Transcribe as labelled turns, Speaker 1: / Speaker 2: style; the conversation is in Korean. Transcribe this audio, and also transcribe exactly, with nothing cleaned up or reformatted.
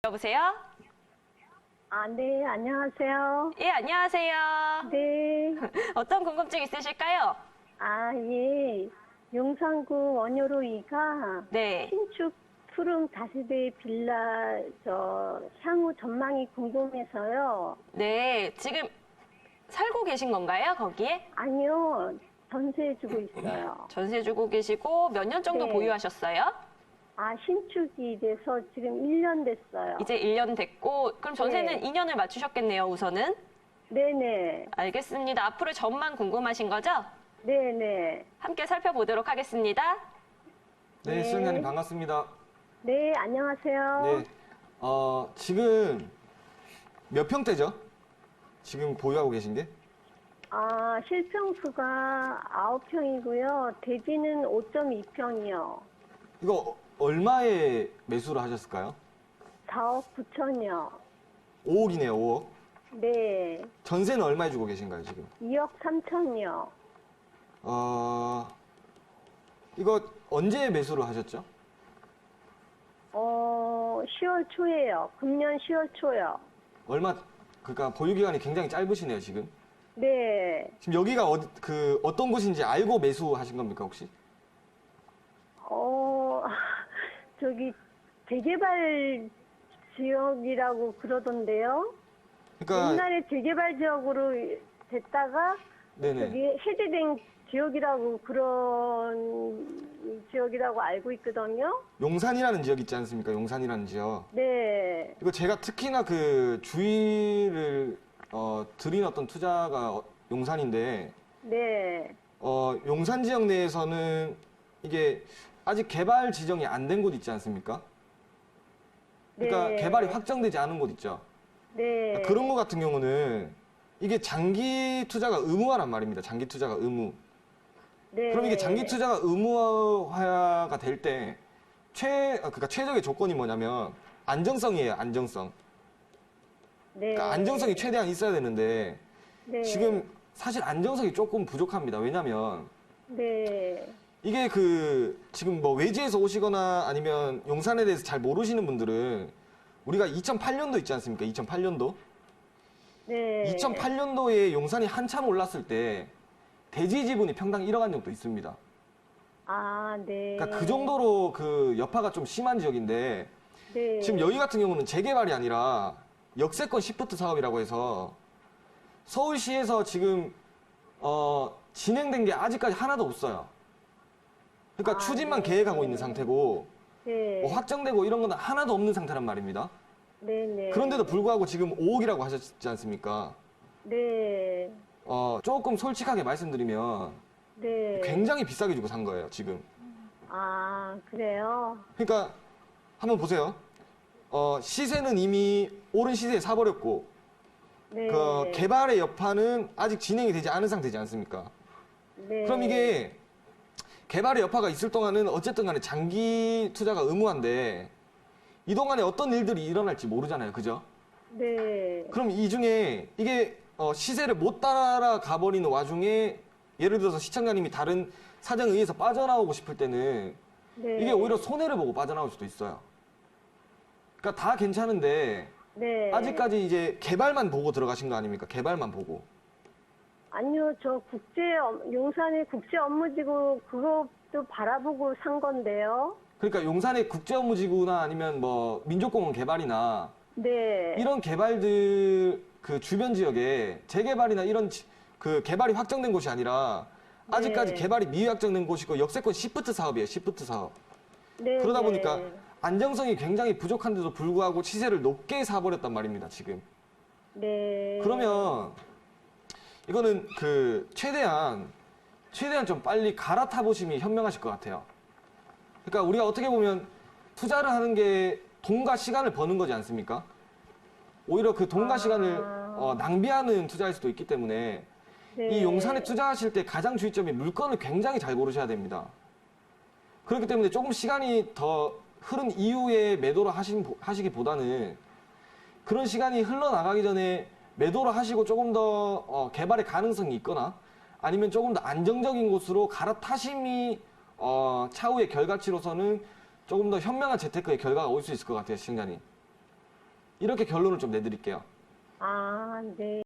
Speaker 1: 여보세요?
Speaker 2: 아, 네, 안녕하세요.
Speaker 1: 예, 안녕하세요.
Speaker 2: 네.
Speaker 1: 어떤 궁금증 있으실까요?
Speaker 2: 아, 예. 용산구 원효로 이가
Speaker 1: 네.
Speaker 2: 신축 투룸 다세대 빌라 저 향후 전망이 궁금해서요.
Speaker 1: 네, 지금 살고 계신 건가요, 거기에?
Speaker 2: 아니요, 전세 주고 있어요.
Speaker 1: 전세 주고 계시고 몇 년 정도
Speaker 2: 네.
Speaker 1: 보유하셨어요?
Speaker 2: 아, 신축이 돼서 지금 일 년 됐어요.
Speaker 1: 이제 일 년 됐고, 그럼 전세는
Speaker 2: 네.
Speaker 1: 이 년을 맞추셨겠네요, 우선은?
Speaker 2: 네네.
Speaker 1: 알겠습니다. 앞으로 전망 궁금하신 거죠?
Speaker 2: 네네.
Speaker 1: 함께 살펴보도록 하겠습니다.
Speaker 3: 네,
Speaker 2: 네.
Speaker 3: 시청자님 반갑습니다.
Speaker 2: 네, 안녕하세요.
Speaker 3: 네, 어, 지금 몇 평대죠? 지금 보유하고 계신 게?
Speaker 2: 아, 실평수가 아홉 평이고요. 대지는 오 점 이 평이요.
Speaker 3: 이거 얼마에 매수를 하셨을까요?
Speaker 2: 사억 구천이요.
Speaker 3: 오억이네요, 오억.
Speaker 2: 네.
Speaker 3: 전세는 얼마에 주고 계신가요, 지금?
Speaker 2: 이억 삼천이요.
Speaker 3: 어, 이거 언제 매수를 하셨죠?
Speaker 2: 어, 시월 초에요. 금년 시월 초요.
Speaker 3: 얼마, 그러니까 보유 기간이 굉장히 짧으시네요, 지금.
Speaker 2: 네.
Speaker 3: 지금 여기가 어, 그 어떤 곳인지 알고 매수하신 겁니까, 혹시?
Speaker 2: 어, 저기, 재개발 지역이라고 그러던데요.
Speaker 3: 그러니까
Speaker 2: 옛날에 재개발 지역으로 됐다가,
Speaker 3: 네네.
Speaker 2: 저기 해제된 지역이라고 그런 지역이라고 알고 있거든요.
Speaker 3: 용산이라는 지역 있지 않습니까? 용산이라는 지역.
Speaker 2: 네.
Speaker 3: 이거 제가 특히나 그 주의를 어, 드린 어떤 투자가 어, 용산인데,
Speaker 2: 네.
Speaker 3: 어, 용산 지역 내에서는 이게 아직 개발 지정이 안 된 곳 있지 않습니까? 그러니까
Speaker 2: 네.
Speaker 3: 개발이 확정되지 않은 곳 있죠.
Speaker 2: 네.
Speaker 3: 그러니까 그런 것 같은 경우는 이게 장기 투자가 의무화란 말입니다. 장기 투자가 의무.
Speaker 2: 네.
Speaker 3: 그럼 이게 장기 투자가 의무화가 될 때 최, 아, 그러니까 최적의 조건이 뭐냐면 안정성이에요. 안정성.
Speaker 2: 네.
Speaker 3: 그러니까 안정성이 최대한 있어야 되는데
Speaker 2: 네.
Speaker 3: 지금 사실 안정성이 조금 부족합니다. 왜냐면
Speaker 2: 네.
Speaker 3: 이게 그 지금 뭐 외지에서 오시거나 아니면 용산에 대해서 잘 모르시는 분들은 우리가 이천팔 년도 있지 않습니까? 이천팔 년도?
Speaker 2: 네.
Speaker 3: 이천팔 년도에 용산이 한참 올랐을 때 대지 지분이 평당 일억 원 정도 있습니다.
Speaker 2: 아, 네.
Speaker 3: 그러니까 그 정도로 그 여파가 좀 심한 지역인데
Speaker 2: 네.
Speaker 3: 지금 여기 같은 경우는 재개발이 아니라 역세권 시프트 사업이라고 해서 서울시에서 지금 어 진행된 게 아직까지 하나도 없어요. 그러니까
Speaker 2: 아,
Speaker 3: 추진만
Speaker 2: 네.
Speaker 3: 계획하고 있는 상태고
Speaker 2: 네.
Speaker 3: 뭐 확정되고 이런 건 하나도 없는 상태란 말입니다.
Speaker 2: 네, 네.
Speaker 3: 그런데도 불구하고 지금 오억이라고 하셨지 않습니까?
Speaker 2: 네.
Speaker 3: 어 조금 솔직하게 말씀드리면
Speaker 2: 네.
Speaker 3: 굉장히 비싸게 주고 산 거예요, 지금.
Speaker 2: 아, 그래요?
Speaker 3: 그러니까 한번 보세요. 어, 시세는 이미 오른 시세에 사버렸고,
Speaker 2: 네.
Speaker 3: 그 개발의 여파는 아직 진행이 되지 않은 상태지 않습니까?
Speaker 2: 네.
Speaker 3: 그럼 이게 개발의 여파가 있을 동안은 어쨌든 간에 장기 투자가 의무한데 이 동안에 어떤 일들이 일어날지 모르잖아요, 그죠?
Speaker 2: 네.
Speaker 3: 그럼 이 중에 이게 어, 시세를 못 따라가 버리는 와중에 예를 들어서 시청자님이 다른 사정에 의해서 빠져나오고 싶을 때는
Speaker 2: 네.
Speaker 3: 이게 오히려 손해를 보고 빠져나올 수도 있어요. 그러니까 다 괜찮은데
Speaker 2: 네.
Speaker 3: 아직까지 이제 개발만 보고 들어가신 거 아닙니까? 개발만 보고.
Speaker 2: 아니요, 저 국제, 업- 용산의 국제 업무지구 그것도 바라보고 산 건데요.
Speaker 3: 그러니까 용산의 국제업무지구나 아니면 뭐 민족공원 개발이나
Speaker 2: 네.
Speaker 3: 이런 개발들 그 주변 지역에 재개발이나 이런 지- 그 개발이 확정된 곳이 아니라 아직까지
Speaker 2: 네.
Speaker 3: 개발이 미확정된 곳이고 역세권 시프트 사업이에요. 시프트 사업.
Speaker 2: 네.
Speaker 3: 그러다
Speaker 2: 네.
Speaker 3: 보니까 안정성이 굉장히 부족한데도 불구하고 시세를 높게 사버렸단 말입니다. 지금.
Speaker 2: 네.
Speaker 3: 그러면 이거는 그 최대한 최대한 좀 빨리 갈아타 보심이 현명하실 것 같아요. 그러니까 우리가 어떻게 보면 투자를 하는 게 돈과 시간을 버는 거지 않습니까? 오히려 그 돈과
Speaker 2: 아.
Speaker 3: 시간을 어, 낭비하는 투자일 수도 있기 때문에
Speaker 2: 네.
Speaker 3: 이 용산에 투자하실 때 가장 주의점이 물건을 굉장히 잘 고르셔야 됩니다. 그렇기 때문에 조금 시간이 더 흐른 이후에 매도를 하신, 하시기보다는 그런 시간이 흘러나가기 전에 매도를 하시고 조금 더 어, 개발의 가능성이 있거나 아니면 조금 더 안정적인 곳으로 갈아타심이 어, 차후의 결과치로서는 조금 더 현명한 재테크의 결과가 올 수 있을 것 같아요, 시청자님. 이렇게 결론을 좀 내드릴게요.
Speaker 2: 아, 네.